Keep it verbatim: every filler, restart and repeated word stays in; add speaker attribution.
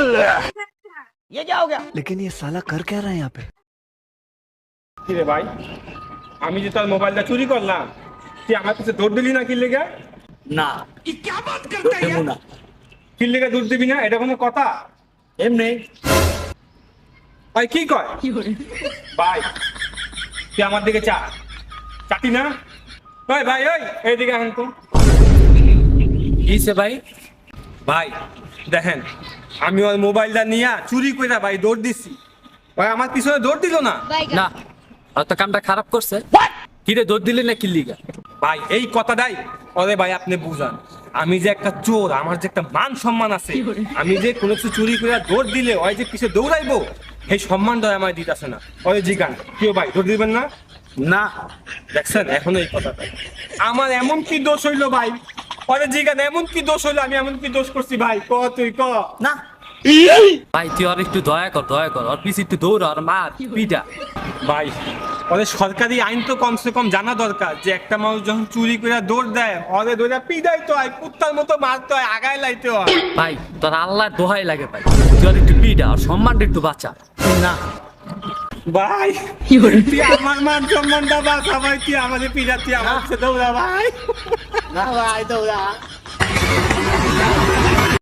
Speaker 1: ये क्या हो गया?
Speaker 2: लेकिन ये साला कर क्या रहा है यहाँ पे?
Speaker 3: কি রে ভাই, আমি যে তোর মোবাইলটা চুরি করলাম, তুই আমার কাছে দৌড় দিলি না কি লেগে?
Speaker 1: না দেবো না
Speaker 3: কি লেগে দৌড় দিবি না? এটা কোনো কথা?
Speaker 1: এমনি
Speaker 3: ভাই কি কয়? ভাই তুই আমার দিকে চা, চাটি না? ওই ভাই ওই এইদিকে আন তো।
Speaker 1: কিসে ভাই?
Speaker 3: ভাই দেখেন, আমি ওর মোবাইলটা নিয়ে চুরি করে ভাই দৌড় দিচ্ছি, ভাই আমার পিছনে দৌড় দিল না।
Speaker 1: না আর তো কামটা খারাপ করছে। কিরে দৌড় দিলি না কিল্লিগা?
Speaker 3: ভাই এই কথাটাই ওরে ভাই আপনি বুঝান, আমি যে একটা চোর, আমার যে একটা মান সম্মান আছে, আমি যে কোনো কিছু চুরি করে দৌড় দিলে ওই যে পিছে দৌড়াইবো, এই সম্মানটা আমার দিতেছে না। ওই জিগান কেউ ভাই দৌড় দিবেন না?
Speaker 1: না
Speaker 3: দেখছেন এখনো এই কথাটা, আমার এমন কি দোষ হইলো ভাই? ওরে জিগান এমন কি দোষ হইলো, আমি এমন কি দোষ করছি ভাই? ক তুই ক
Speaker 1: না ভাই তুই আর একটু দয়া কর, দয়া কর, আর পিছিয়ে একটু দৌড় আর মার পিটা।
Speaker 3: ভাই ওদের সরকারি আইন তো কমসে কম জানা দরকার যে একটা মানুষ যখন চুরি করে দৌড় দেয় ওদের দৌড়া পিদাই তো হয়, কুত্তার মতো মারতে হয়, আগায় লাইতে হয়।
Speaker 1: ভাই তোর আল্লাহর দোহাই লাগে ভাই, তুই আর একটু পিটা আর সম্মানটা একটু বাঁচা। না
Speaker 3: ভাই তুই আমার মান সম্মানটা বাঁচা ভাই, তুই আমাদের পিড়া, তুই আমার কাছে দৌড়া ভাই।
Speaker 1: না ভাই দৌড়া।